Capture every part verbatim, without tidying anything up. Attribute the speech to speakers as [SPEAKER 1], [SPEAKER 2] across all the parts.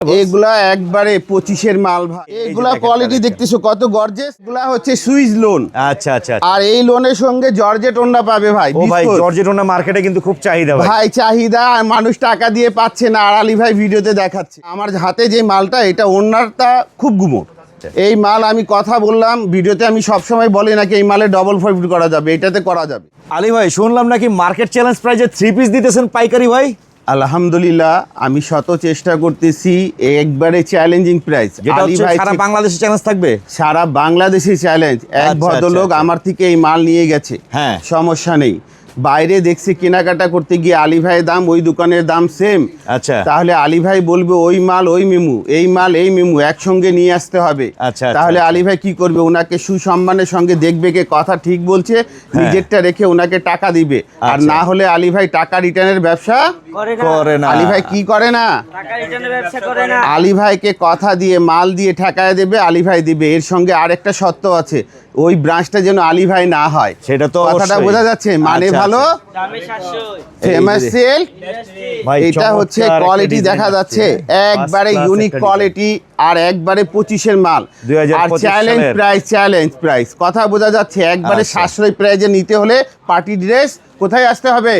[SPEAKER 1] এগুলা একবারে পঁচিশের মাল ভাই। এগুলা কোয়ালিটি দেখতেছো কত গর্জেস। এগুলা হচ্ছে সুইস লোন।
[SPEAKER 2] আচ্ছা আচ্ছা।
[SPEAKER 1] আর এই লোনের সঙ্গে জর্জেট ওন্না পাবে ভাই।
[SPEAKER 2] ও ভাই জর্জেট ওন্না মার্কেটে কিন্তু খুব চাহিদা ভাই।
[SPEAKER 1] ভাই চাহিদা, আর মানুষ টাকা দিয়ে পাচ্ছে না। আর আলী ভাই ভিডিওতে দেখাচ্ছে আমার হাতে যে মালটা, এটা ওন্নারটা খুব গুমোট। এই মাল আমি কথা বললাম ভিডিওতে, আমি সবসময় বলি নাকি এই মালে ডবল প্রফিট করা যাবে, এটাতে করা যাবে।
[SPEAKER 2] আলী ভাই শুনলাম নাকি মার্কেট চ্যালেঞ্জ প্রাইজে থ্রি পিস দিতেছেন পাইকারি ভাই।
[SPEAKER 1] আলহামদুলিল্লাহ আমি শত চেষ্টা করতেছি, একবারে চ্যালেঞ্জিং প্রাইস।
[SPEAKER 2] আলী ভাই সারা বাংলাদেশে চ্যালেঞ্জ থাকবে,
[SPEAKER 1] সারা বাংলাদেশে চ্যালেঞ্জ। এক ভদ্রলোক আমার থেকে এই মাল নিয়ে গেছে, হ্যাঁ সমস্যা নেই। বাইরে দেখছি কেনাকাটা করতে গিয়ে আলী ভাইয়ের দাম ওই দোকানের দাম সেম।
[SPEAKER 2] আচ্ছা,
[SPEAKER 1] তাহলে আলী ভাই বলবে ওই মাল ওই মেমু, এই মাল এই মেমু একসঙ্গে নিয়ে আসতে হবে।
[SPEAKER 2] আচ্ছা,
[SPEAKER 1] তাহলে আলী ভাই কি করবে, ওনাকে সুসম্মানের সঙ্গে দেখবে কে কথা ঠিক বলছে, নিজেরটা রেখে ওনাকে টাকা দিবে। আর না হলে আলী ভাই টাকা রিটার্নের ব্যবসা করে না। আলী ভাই কি করে না,
[SPEAKER 3] টাকা রিটার্নের ব্যবসা করে না।
[SPEAKER 1] আলী ভাইকে কথা দিয়ে মাল দিয়ে ঠেকায় দেবে, আলী ভাই দিবে। এর সঙ্গে আরেকটা শর্ত আছে, ওই ব্রাঞ্চটা যেন আলী ভাই না হয়।
[SPEAKER 2] সেটা তো
[SPEAKER 1] কথাটা বোঝা যাচ্ছে। মানে ভালো, ফেমাস সেল। এটা হচ্ছে কোয়ালিটি দেখা যাচ্ছে, একবারে ইউনিক কোয়ালিটি আর একবারে পঁচিশের মাল। আর চ্যালেঞ্জ প্রাইস, চ্যালেঞ্জ প্রাইস কথা বোঝা যাচ্ছে। একবারে সাশ্রয়ী প্রাইজে নিতে হলে পার্টি ড্রেস কোথায় আসতে হবে,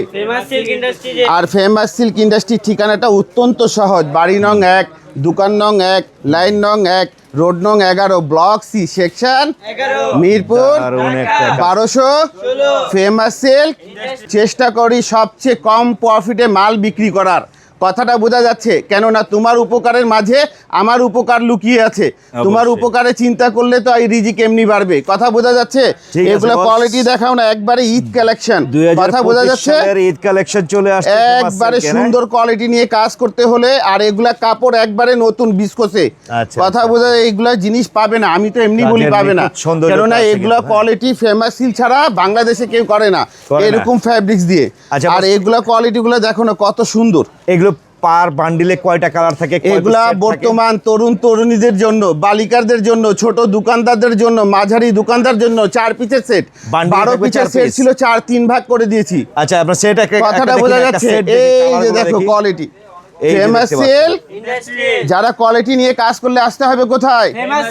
[SPEAKER 1] আর ফেমাস সিল্ক ইন্ডাস্ট্রির ঠিকানাটা অত্যন্ত সহজ। বাড়ি নং এক, দোকান নং এক, লাইন নং এক, রোড নং এগারো, ব্লক সি, সেকশন মিরপুর বারোশো। Famous silk. চেষ্টা করি সবচেয়ে কম প্রফিটে মাল বিক্রি করার, কথাটা বোঝা যাচ্ছে। কেননা তোমার উপকারের মাঝে আমার উপকার লুকিয়ে আছে। তোমার উপকারে চিন্তা করলে তো এই রিজিক এমনি বাড়বে, কথা বোঝা যাচ্ছে। এগুলো কোয়ালিটি দেখাও না, একবারে ঈদ কালেকশন, কথা বোঝা যাচ্ছে।
[SPEAKER 2] ঈদ কালেকশন চলে আসছে,
[SPEAKER 1] একবারে সুন্দর কোয়ালিটি নিয়ে কাজ করতে হলে। আর এগুলা কাপড় একবারে নতুন বিস্কোসে, কথা বোঝা। এইগুলা জিনিস পাবে না, আমি তো এমনি বলি পাবে না, কেননা এগুলা কোয়ালিটি ফেমাস সিল্ক ছাড়া বাংলাদেশে কেউ করে না এরকম ফ্যাব্রিক্স দিয়ে। আর এগুলা কোয়ালিটি গুলো দেখো না কত সুন্দর।
[SPEAKER 2] এগুলো পার বান্ডিলে কয়টা কালার থাকে?
[SPEAKER 1] এগুলা বর্তমান তরুণ তরুণীদের জন্য, বালিকাদের জন্য, ছোট দোকানদারদের জন্য, মাঝারি দোকানদার জন্য চার পিসের সেট। বারো পিসের সেট ছিল, চার তিন ভাগ করে দিয়েছি।
[SPEAKER 2] আচ্ছা, আপনার সেট
[SPEAKER 1] কথাটা বোঝা যাচ্ছে। এই যে দেখো কোয়ালিটি, ফেমাস সেল। যারা কোয়ালিটি নিয়ে কাজ করলে আসতে হবে কোথায়,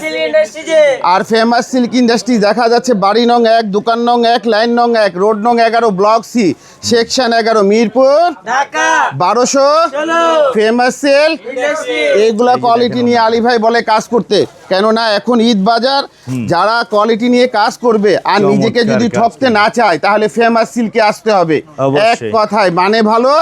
[SPEAKER 1] আর ফেমাস সিল্ক ইন্ডাস্ট্রি দেখা যাচ্ছে বাড়ি নং এক, দোকান নং এক, লাইন নং এক, রোড নং এগারো, ব্লক সি, সেকশন এগারো, মিরপুর বারোশো। Famous sell. এইগুলা কোয়ালিটি নিয়ে আলী ভাই বলে কাজ করতে, কেননা এখন ঈদ বাজার। যারা কোয়ালিটি নিয়ে কাজ করবে আর নিজেকে যদি ঠকতে না চায়, তাহলে ফেমাস সিল্কে আসতে হবে। এক কথায় মানে ভালো,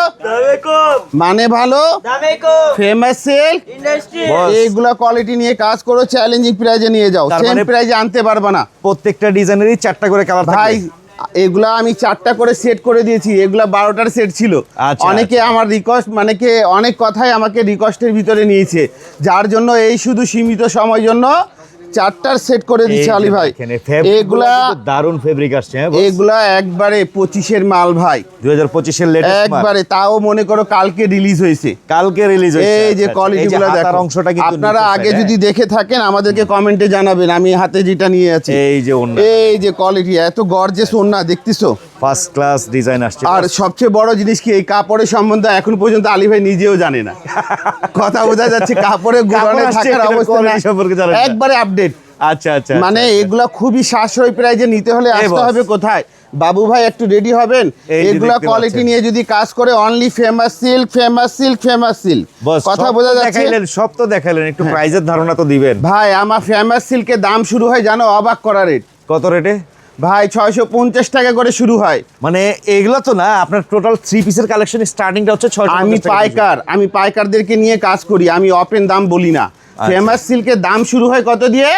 [SPEAKER 1] মানে ভালো, ফেমাস সেল। এইগুলা কোয়ালিটি নিয়ে কাজ করো, চ্যালেঞ্জিং প্রাইজে নিয়ে যাও, সেম প্রাইজে আনতে পারবা না।
[SPEAKER 2] প্রত্যেকটা ডিজাইনেরই চারটা করে কালার
[SPEAKER 1] ভাই। এগুলা আমি চারটা করে সেট করে দিয়েছি, এগুলা বারোটার সেট ছিল। অনেকে আমার রিকোয়েস্ট, মানে কে অনেক কথাই আমাকে রিকোয়েস্টের ভিতরে নিয়েছে, যার জন্য এই শুধু সীমিত সময়ের জন্য চারটার সেট করে দিচ্ছে আলী ভাই। এগুলা
[SPEAKER 2] দারুন ফেব্রিক আসছে,
[SPEAKER 1] এগুলা একবারে পঁচিশের মাল ভাই,
[SPEAKER 2] দুই হাজার পঁচিশের লেটেস্ট
[SPEAKER 1] একবারে। তাও মনে করো কালকে রিলিজ হয়েছে,
[SPEAKER 2] কালকে রিলিজ হয়েছে।
[SPEAKER 1] এই যে কোয়ালিটি গুলো দেখো,
[SPEAKER 2] অংশটা কিন্তু
[SPEAKER 1] আপনারা আগে যদি দেখে থাকেন আমাদেরকে কমেন্টে জানাবেন। আমি হাতে যেটা নিয়ে আছি,
[SPEAKER 2] এই যে ওন্না,
[SPEAKER 1] এই যে কোয়ালিটি, এত গর্জিয়াস ওন্না দেখতেছো,
[SPEAKER 2] ফার্স্ট ক্লাস ডিজাইন আসছে।
[SPEAKER 1] আর সবচেয়ে বড় জিনিস কি, এই কাপড়ের সম্বন্ধে এখন পর্যন্ত আলী ভাই নিজেও জানে না, কথা বোঝা যাচ্ছে। কাপড়ের গুণানে থাকার অবস্থা না, একবারে আপডেট।
[SPEAKER 2] আচ্ছা আচ্ছা,
[SPEAKER 1] মানে এগুলা খুবই সাশ্রয়ী প্রাইজে নিতে হলে আসতে হবে কোথায়, বাবু ভাই একটু রেডি হবেন। এগুলা কোয়ালিটি নিয়ে যদি কাজ করে, only famous silk, famous silk, famous silk, কথা বোঝা যাচ্ছে।
[SPEAKER 2] সব তো দেখাইলেন, একটু প্রাইজের ধারণা তো দিবেন
[SPEAKER 1] ভাই। আমার ফেমাস সিল্কের দাম শুরু হয় জানো, অবাক করা রেট।
[SPEAKER 2] কত রেটে
[SPEAKER 1] ভাই? ছয়শো পঞ্চাশ টাকা করে শুরু হয়।
[SPEAKER 2] মানে এগুলো তো না, আপনার টোটাল থ্রি পিসের কালেকশন স্টার্টিংটা হচ্ছে ছয়শো।
[SPEAKER 1] আমি পাইকার, আমি পাইকারদেরকে নিয়ে কাজ করি, আমি ওপেন দাম বলি না। ফেমাস সিল্কের দাম শুরু হয় কত দিয়ে,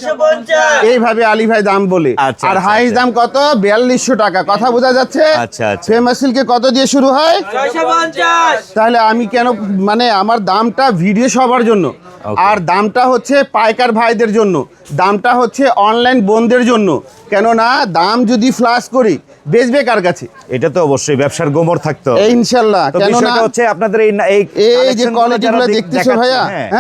[SPEAKER 1] এইভাবে আলী ভাই দাম বলে। আর হাইস্ট দাম কত, বিয়াল্লিশশো টাকা, কথা বোঝা যাচ্ছে। ফেমাস সিল্কে কত দিয়ে শুরু হয়, তাহলে আমি কেন, মানে আমার দামটা ভিডিও সবার জন্য, আর দামটা হচ্ছে পাইকার ভাইদের জন্য, দামটা হচ্ছে অনলাইন বোনদের জন্য। কেননা দাম যদি ফ্লাশ করি, বেচবে কার কাছে?
[SPEAKER 2] এটা তো অবশ্যই ব্যবসার গোমর থাকতে হবে
[SPEAKER 1] ইনশাল্লাহ। কেননা
[SPEAKER 2] হচ্ছে আপনাদের এই
[SPEAKER 1] এই যে কোয়ালিটিগুলো দেখতেছো ভাইয়া, হ্যাঁ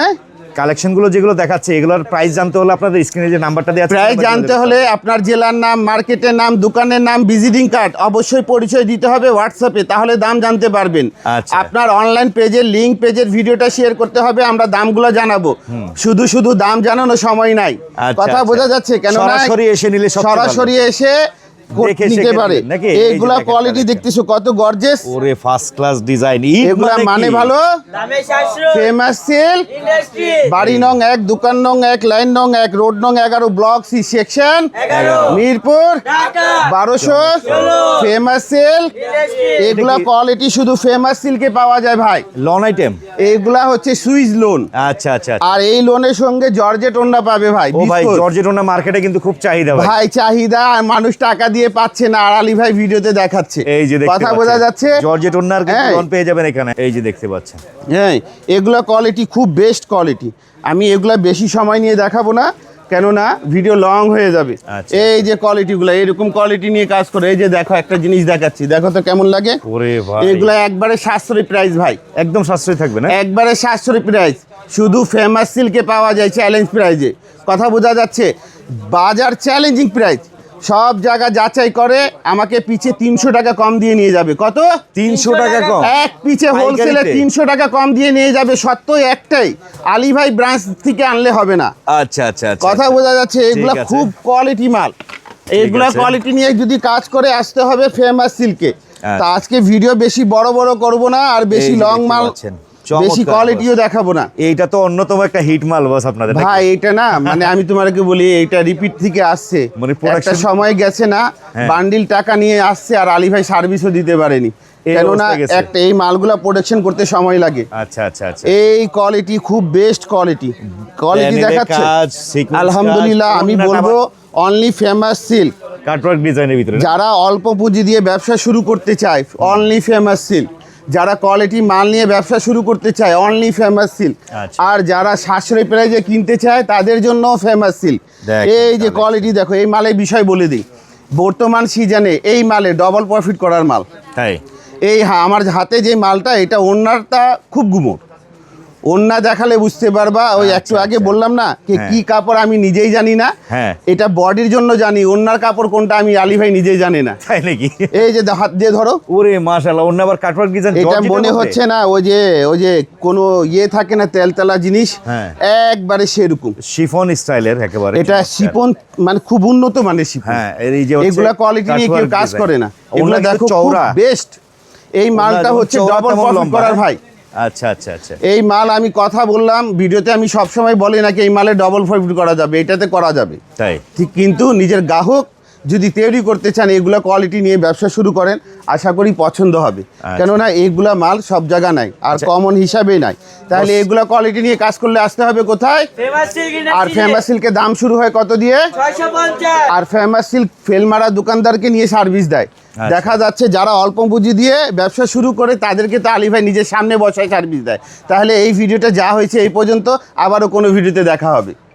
[SPEAKER 2] কালেকশনগুলো যেগুলো দেখাচ্ছে এগুলোর প্রাইস জানতে হলে আপনাদের স্ক্রিনে যে নাম্বারটা দেওয়া আছে
[SPEAKER 1] প্রাইস জানতে হলে আপনার জেলার নাম, মার্কেটের নাম, দোকানের নাম, ভিজিটিং কার্ড অবশ্যই পরিচয় দিতে হবে হোয়াটসঅ্যাপে, তাহলে দাম জানতে পারবেন।
[SPEAKER 2] আচ্ছা।
[SPEAKER 1] আপনার অনলাইন পেজের লিংক, পেজের ভিডিওটা শেয়ার করতে হবে, আমরা দামগুলো জানাবো। শুধু শুধু দাম জানানো সময় নাই,
[SPEAKER 2] আচ্ছা,
[SPEAKER 1] কথা
[SPEAKER 2] আচ্ছা।
[SPEAKER 1] বোঝা যাচ্ছে? কেন
[SPEAKER 2] সরাসরি এসে নিলে সবচেয়ে ভালো।
[SPEAKER 1] সরাসরি এসে
[SPEAKER 2] দেখে
[SPEAKER 1] নিতে
[SPEAKER 2] শিখে
[SPEAKER 1] পারে।
[SPEAKER 2] নেবেন নাকি? এই যে
[SPEAKER 1] এইগুলা
[SPEAKER 2] দেখেন
[SPEAKER 1] কোয়ালিটি
[SPEAKER 2] collection।
[SPEAKER 1] দেখতেছো কত গর্জিয়াস,
[SPEAKER 2] ওরে ফার্স্ট ক্লাস ডিজাইন।
[SPEAKER 1] এগুলা মানে ভালো,
[SPEAKER 3] দামে সাশ্রয়,
[SPEAKER 1] ফেমাস সিল্ক,
[SPEAKER 3] ইন্ডাস্ট্রি,
[SPEAKER 1] বাড়ি নং এক, দোকান নং এক, লাইন নং এক, রোড নং এগারো, ব্লক সি সেকশন,
[SPEAKER 3] এগারো,
[SPEAKER 1] মিরপুর
[SPEAKER 3] ঢাকা,
[SPEAKER 1] বারোশো, ফেমাস সিল্ক।
[SPEAKER 3] ইন্ডাস্ট্রি,
[SPEAKER 1] এগুলা কোয়ালিটি শুধু ফেমাস সিল্কে পাওয়া যায় ভাই।
[SPEAKER 2] Lawn item.
[SPEAKER 1] এইগুলা হচ্ছে সুইস লোন,
[SPEAKER 2] আচ্ছা আচ্ছা আচ্ছা।
[SPEAKER 1] আর এই লোনের সঙ্গে জর্জেট ওন্না পাবে ভাই।
[SPEAKER 2] ও ভাই,
[SPEAKER 1] বিস্কুট।
[SPEAKER 2] জর্জেট ওনা মার্কেটে কিন্তু খুব চাহিদা ভাই।
[SPEAKER 1] ভাই চাহিদা, আর মানুষ টাকা দিয়ে পাচ্ছে না, আর আলী ভাই ভিডিওতে দেখাচ্ছে।
[SPEAKER 2] এই যে দেখতে
[SPEAKER 1] কথা
[SPEAKER 2] পাচ্ছেন,
[SPEAKER 1] বোঝা যাচ্ছে?
[SPEAKER 2] জর্জেট ওনার কিন্তু
[SPEAKER 1] হ্যাঁ।
[SPEAKER 2] লন পেয়ে যাবেন এখানে। এই যে দেখতে পাচ্ছেন।
[SPEAKER 1] হ্যাঁ, এগুলা কোয়ালিটি খুব বেস্ট কোয়ালিটি। আমি এগুলা বেশি সময় নিয়ে দেখাবো না, কেননা ভিডিও লং হয়ে যাবে।
[SPEAKER 2] আচ্ছা।
[SPEAKER 1] এই যে কোয়ালিটিগুলো, এরকম কোয়ালিটি নিয়ে কাজ করে। এই যে দেখো, একটা জিনিস দেখাচ্ছি, দেখো তো কেমন লাগে।
[SPEAKER 2] ওরে ভাই,
[SPEAKER 1] এগুলা একবারে সাশ্রয়ী প্রাইস ভাই,
[SPEAKER 2] একদম সাশ্রয়ী থাকবে না?
[SPEAKER 1] একবারে সাশ্রয়ী প্রাইস, শুধু ফেমাস সিল্কে পাওয়া যায় চ্যালেঞ্জ প্রাইজে। কথা বোঝা যাচ্ছে? বাজার চ্যালেঞ্জিং প্রাইস, সব জায়গা যাচাই করে আমাকে পিছে তিনশো টাকা কম দিয়ে নিয়ে যাবে। কত?
[SPEAKER 2] তিনশো টাকা কম?
[SPEAKER 1] এক পিছে
[SPEAKER 2] পাইকারিতে?
[SPEAKER 1] হোলসেলে তিনশো টাকা কম দিয়ে নিয়ে যাবে। সত্য একটাই, আলী ভাই ব্রাঞ্চ থেকে আনলে হবে না।
[SPEAKER 2] আচ্ছা আচ্ছা আচ্ছা।
[SPEAKER 1] কথা বোঝা যাচ্ছে? এগুলা
[SPEAKER 2] ঠিক আছে।
[SPEAKER 1] খুব কোয়ালিটি মাল। এগুলা
[SPEAKER 2] আছে।
[SPEAKER 1] কোয়ালিটি নিয়ে যদি কাজ করে আসতে হবে ফেমাস সিল্কে।
[SPEAKER 2] আচ্ছা।
[SPEAKER 1] তা আজকে ভিডিও বেশি বড় বড় করব না, আর বেশি
[SPEAKER 2] এই যে
[SPEAKER 1] লং
[SPEAKER 2] দেখতে
[SPEAKER 1] মাল,
[SPEAKER 2] পাচ্ছেন।
[SPEAKER 1] বেশি
[SPEAKER 2] চমৎকার
[SPEAKER 1] কোয়ালিটিও দেখাবো না।
[SPEAKER 2] এইটা তো অন্যতম একটা হিট মাল বস আপনাদের নাকি?
[SPEAKER 1] ভাই এটা না, মানে আমি তোমাকে বলি, এইটা রিপিট থেকে আসছে।
[SPEAKER 2] মানে
[SPEAKER 1] একটা
[SPEAKER 2] production-
[SPEAKER 1] সময় গেছে না,
[SPEAKER 2] হ্যাঁ।
[SPEAKER 1] বান্ডিল টাকা নিয়ে আসছে, আর আলী ভাই সার্ভিসও দিতে পারেনি।
[SPEAKER 2] এই
[SPEAKER 1] কেননা
[SPEAKER 2] অবস্থা গেছে।
[SPEAKER 1] একটা এই মালগুলা প্রোডাকশন করতে সময় লাগে।
[SPEAKER 2] আচ্ছা আচ্ছা আচ্ছা।
[SPEAKER 1] এই কোয়ালিটি খুব বেস্ট কোয়ালিটি, কোয়ালিটি
[SPEAKER 2] প্যানেলে
[SPEAKER 1] দেখাচ্ছে
[SPEAKER 2] কাজ, sequence
[SPEAKER 1] আলহামদুলিল্লাহ।
[SPEAKER 2] কাজ,
[SPEAKER 1] আমি
[SPEAKER 2] ওড়নাটা
[SPEAKER 1] বলবো অনলি ফেমাস সিল্ক।
[SPEAKER 2] কাটওয়ার্ক ডিজাইনের ভিতরে না?
[SPEAKER 1] যারা অল্প পুঁজি দিয়ে ব্যবসা শুরু করতে চায়, অনলি ফেমাস সিল্ক। যারা কোয়ালিটি মাল নিয়ে ব্যবসা শুরু করতে চায়, অনলি ফেমাস সিল্ক।
[SPEAKER 2] আচ্ছা।
[SPEAKER 1] আর যারা সাশ্রয়ী প্রাইজে কিনতে চায়, তাদের জন্য ফেমাস সিল্ক।
[SPEAKER 2] দেখেন
[SPEAKER 1] এই যে
[SPEAKER 2] তাহলে।
[SPEAKER 1] কোয়ালিটি দেখো, এই মালের বিষয় বলে দিই। বর্তমান সিজনে এই মালে ডবল প্রফিট করার মাল।
[SPEAKER 2] তাই?
[SPEAKER 1] এই হ্যাঁ, আমার হাতে যে মালটা, এটা ওন্নারটা খুব গুমোট। ওন্না দেখালে বুঝতে পারবা। ওই একটু
[SPEAKER 2] আচ্ছা,
[SPEAKER 1] আগে
[SPEAKER 2] আচ্ছা।
[SPEAKER 1] বললাম না কি
[SPEAKER 2] হ্যাঁ।
[SPEAKER 1] কি কাপড় আমি নিজেই জানি না।
[SPEAKER 2] হ্যাঁ।
[SPEAKER 1] এটা বডির জন্য জানি, ওন্নার কাপড় কোনটা আমি আলী ভাই নিজেই জানি না।
[SPEAKER 2] তাই নাকি?
[SPEAKER 1] এই যে হাত দিয়ে ধরো,
[SPEAKER 2] ওরে মাশাআল্লাহ, অন্য আবার কাটওয়ার্ক ডিজাইন।
[SPEAKER 1] এটা মনে হচ্ছে না ওই যে ওই যে কোনো ইয়ে থাকে না, তেলতেলা জিনিস,
[SPEAKER 2] হ্যাঁ।
[SPEAKER 1] একবারে সেরকম।
[SPEAKER 2] শিফন স্টাইলের একেবারে।
[SPEAKER 1] এটা
[SPEAKER 2] চমৎকার।
[SPEAKER 1] শিপন, মানে খুব উন্নত মানের শিপন।
[SPEAKER 2] হ্যাঁ, এর এই যে হচ্ছে
[SPEAKER 1] এগুলা কোয়ালিটি নিয়ে কেউ
[SPEAKER 2] কাটওয়ার্ক
[SPEAKER 1] কাজ
[SPEAKER 2] ডিজাইন।
[SPEAKER 1] করে না।
[SPEAKER 2] ওগুলা
[SPEAKER 1] এগুলা
[SPEAKER 2] কিন্তু
[SPEAKER 1] দেখো
[SPEAKER 2] চওড়া।
[SPEAKER 1] বেস্ট। এই মালটা
[SPEAKER 2] যেমন
[SPEAKER 1] হচ্ছে
[SPEAKER 2] চওড়া
[SPEAKER 1] ডবল
[SPEAKER 2] তেমন
[SPEAKER 1] প্রফিট
[SPEAKER 2] লম্বা,
[SPEAKER 1] করার
[SPEAKER 2] হ্যাঁ?
[SPEAKER 1] ভাই।
[SPEAKER 2] আচ্ছা আচ্ছা আচ্ছা।
[SPEAKER 1] এই মাল আমি কথা বললাম ভিডিওতে, আমি সবসময় বলি নাকি এই মালে ডবল প্রফিট করা যাবে, এটাতে করা যাবে।
[SPEAKER 2] তাই?
[SPEAKER 1] ঠিক, কিন্তু নিজের গ্রাহক যদি তৈরি করতে চান, এগুলা কোয়ালিটি নিয়ে ব্যবসা শুরু করেন, আশা করি পছন্দ হবে।
[SPEAKER 2] আচ্ছা।
[SPEAKER 1] কেননা এইগুলা মাল সব জায়গা নাই, আর
[SPEAKER 2] আচ্ছা।
[SPEAKER 1] কমন হিসাবেই নাই। তাহলে এগুলা কোয়ালিটি নিয়ে কাজ করলে আসতে হবে কোথায়?
[SPEAKER 3] ফেমাস সিল্ক
[SPEAKER 1] আর
[SPEAKER 3] ইন্ডাস্ট্রি,
[SPEAKER 1] ফেমাস সিল্কের দাম শুরু হয় কত দিয়ে?
[SPEAKER 3] ছয়শো পঞ্চাশ।
[SPEAKER 1] আর ফেমাস সিল্ক ফেলমারা দোকানদারকে নিয়ে সার্ভিস দেয়।
[SPEAKER 2] আচ্ছা।
[SPEAKER 1] দেখা যাচ্ছে যারা অল্প পুঁজি দিয়ে ব্যবসা শুরু করে, তাদেরকে তো আলী ভাই নিজের সামনে বসায় সার্ভিস দেয়। তাহলে এই ভিডিওটা যা হয়েছে এই পর্যন্ত, আবারও কোনো ভিডিওতে দেখা হবে।